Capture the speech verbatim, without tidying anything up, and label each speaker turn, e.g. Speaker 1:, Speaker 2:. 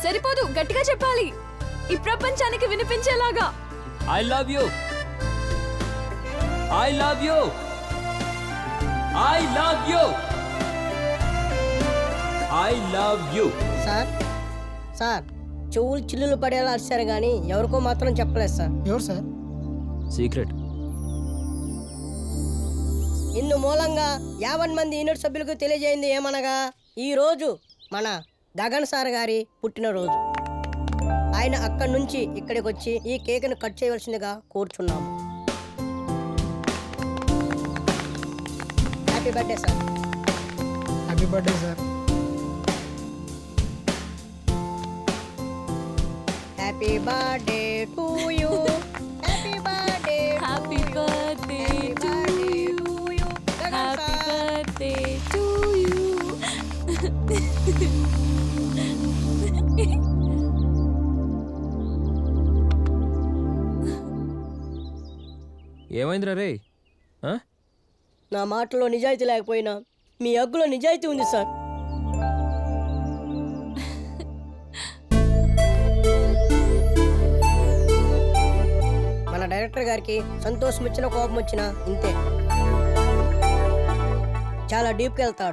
Speaker 1: సరిపోదు, గట్టిగా చెప్పాలి, ఈ ప్రపంచానికి వినిపించేలాగా.
Speaker 2: I love you, I love you, I love you, I love you.
Speaker 3: Sir sir చెవులు చిల్లులు పడేలా అరిచారు కానీ ఎవరికో మాత్రం చెప్పలేదు సార్.
Speaker 4: ఎవరు సార్?
Speaker 2: సీక్రెట్.
Speaker 3: ఇందు మూలంగా యాభై మంది యూనిట్ సభ్యులకు తెలియజేయింది ఏమనగా ఈ రోజు మన గగన్ సార్ గారి పుట్టినరోజు. ఆయన అక్కడి నుంచి ఇక్కడికి వచ్చి ఈ కేక్ను కట్ చేయవలసిందిగా కోరుచున్నాము. Happy birthday sir.
Speaker 4: Happy birthday sir.
Speaker 3: Happy birthday to you. Happy birthday.
Speaker 1: Happy birthday to you. Happy birthday to you.
Speaker 2: ఏమైందిరా రే? ఆ?
Speaker 3: నా మాటలో నిజాయితీ లేకపోయినా మీ అగ్గులో నిజాయితీ ఉంది సార్. మన డైరెక్టర్ గారికి సంతోషం వచ్చినా కోపం వచ్చినా ఇంతే, చాలా డీప్కి వెళ్తాడు.